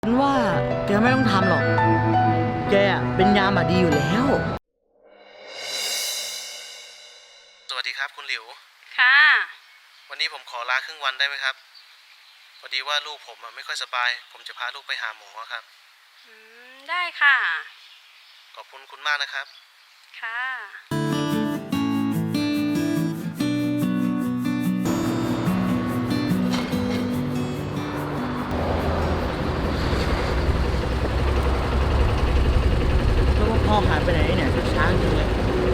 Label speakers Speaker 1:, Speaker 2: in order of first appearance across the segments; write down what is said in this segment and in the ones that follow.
Speaker 1: ฉันว่าแกไม่ต้องทำหรอก แกเป็นยามดีอยู่แล้ว
Speaker 2: สวัสดีครับคุณหลิว
Speaker 3: ค่ะ
Speaker 2: วันนี้ผมขอลาครึ่งวันได้ไหมครับ พอดีว่าลูกผมไม่ค่อยสบาย ผมจะพาลูกไปหาหมอครับ
Speaker 3: ได้ค่ะ
Speaker 2: ขอบคุณคุณมากนะครับ
Speaker 3: ค่ะ
Speaker 1: แล้วว่าพ่อหายไปไหนเนี่ยช้าจริงเลย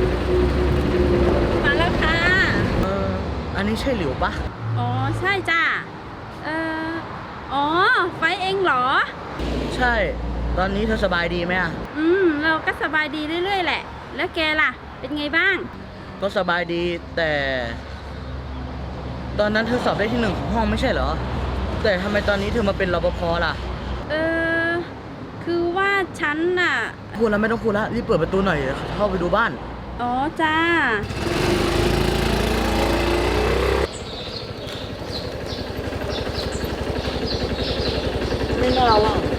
Speaker 3: มาแล้วค่ะ
Speaker 1: อันนี้ใช่หลิวปะ
Speaker 3: อ๋อ ใช่จ้ะอ๋อ ไฟเองเหรอ
Speaker 1: ใช่ ตอนนี้เธอสบายดีไหมอะ
Speaker 3: เราก็สบายดีเรื่อยๆแหละ แล้วแกล่ะ เป็นไงบ้าง
Speaker 1: ก็สบายดีแต่ ตอนนั้นเธอสอบได้ที่ 1ของห้องไม่ใช่เหรอ แต่ทำไมตอนนี้เธอมาเป็นรปภล่ะ
Speaker 3: คือว่าฉันน่ะ
Speaker 1: พูดแล้วไม่ต้องพูดแล้วรีบเปิดประตูหน่อยเดี๋ยวเข้าไปดูบ้าน
Speaker 3: อ๋อ จ้า
Speaker 1: ไม่น่าว่าง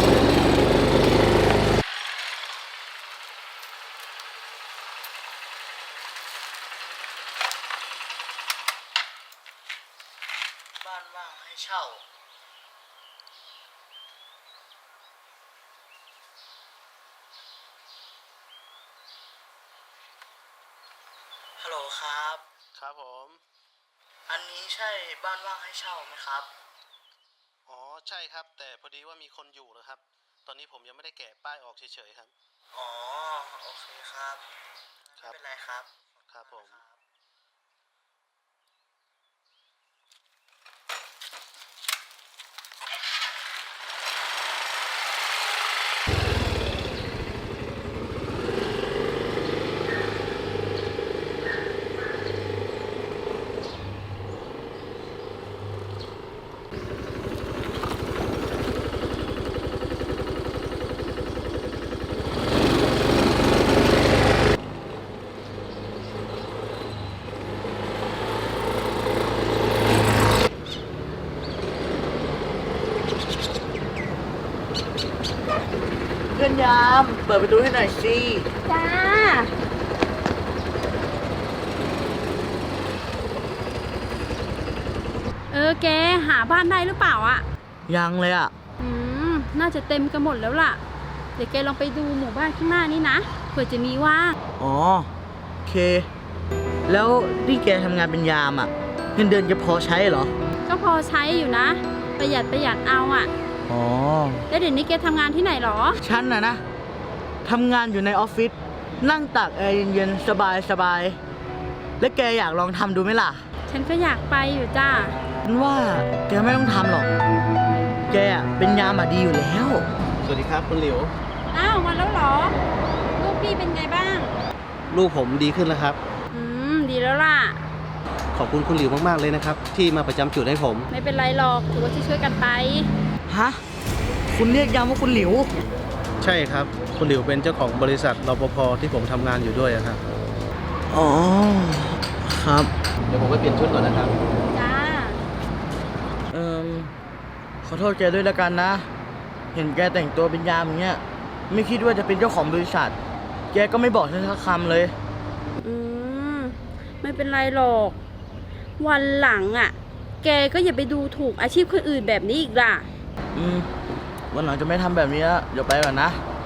Speaker 1: บ้านว่างให้เช่า ฮัลโหลครับ
Speaker 2: ครับผม
Speaker 1: อันนี้ใช่บ้านว่างให้เช่าไหมครับ
Speaker 2: อ๋อใช่ครับ แต่พอดีว่ามีคนอยู่นะครับ ตอนนี้ผมยังไม่ได้แกะป้ายออกเฉยๆครับ
Speaker 1: อ๋อ โอเคครับ
Speaker 2: ครับ
Speaker 1: ไม่เป็นไรครับ
Speaker 2: ครับผม
Speaker 1: เพื่อนยาม เปิดประตูให้หน่อยสิ
Speaker 3: จ้า แกหาบ้านได้หรือเปล่าอะ
Speaker 1: ยังเลยอ่ะ
Speaker 3: น่าจะเต็มกันหมดแล้วล่ะ เดี๋ยวแกลองไปดูหมู่บ้านข้างหน้านี้นะ เผื่อจะมีว่าง
Speaker 1: อ๋อ โอเค แล้วนี่แกทำงานเป็นยามอ่ะ เงินเดือนจะพอใช้เหรอ
Speaker 3: ก็พอใช้อยู่นะ ประหยัดเอาอะ
Speaker 1: อ๋อ
Speaker 3: แล้วเดี๋ยวนี้แกทำงานที่ไหนหรอ
Speaker 1: ฉันนะทำงานอยู่ในออฟฟิศ นั่งตากแอร์เย็นๆ สบายๆ แล้วแกอยากลองทำดูไหมล่ะ
Speaker 3: ฉันก็อยากไปอยู่จ้า
Speaker 1: ฉันว่าแกไม่ต้องทำหรอก แกเป็นยามดีอยู่แล้ว
Speaker 2: สวัสดีครับคุณหลิว
Speaker 3: อ้าวมาแล้วเหรอ ลูกพี่เป็นไงบ้าง
Speaker 2: ลูกผมดีขึ้นแล้วครับ
Speaker 3: ดีแล้วล่ะ
Speaker 2: ขอบคุณคุณหลิวมากๆเลยนะครับ ที่มาประจำจุดให้ผม
Speaker 3: ไม่เป็นไรหรอก ถือว่าช่วยๆกันไป
Speaker 1: ฮะ คุณเรียกยามว่าคุณหลิว
Speaker 2: ใช่ครับ คุณหลิวเป็นเจ้าของบริษัทรปภที่ผมทำงานอยู่ด้วยครับ
Speaker 1: อ๋อ ครับ
Speaker 2: เดี๋ยวผมไปเปลี่ยนชุดก่อนนะครับ
Speaker 3: จ้า
Speaker 1: ขอโทษแกด้วยละกันนะ เห็นแกแต่งตัวเป็นยามอย่างเงี้ย ไม่คิดว่าจะเป็นเจ้าของบริษัท แกก็ไม่บอกฉันสักคำเลย
Speaker 3: ไม่เป็นไรหรอก วันหลังอ่ะ แกก็อย่าไปดูถูกอาชีพคนอื่นแบบนี้อีกล่ะ
Speaker 1: วันหลังจะไม่ทำแบบนี้แล้วเดี๋ยวไปก่อนนะ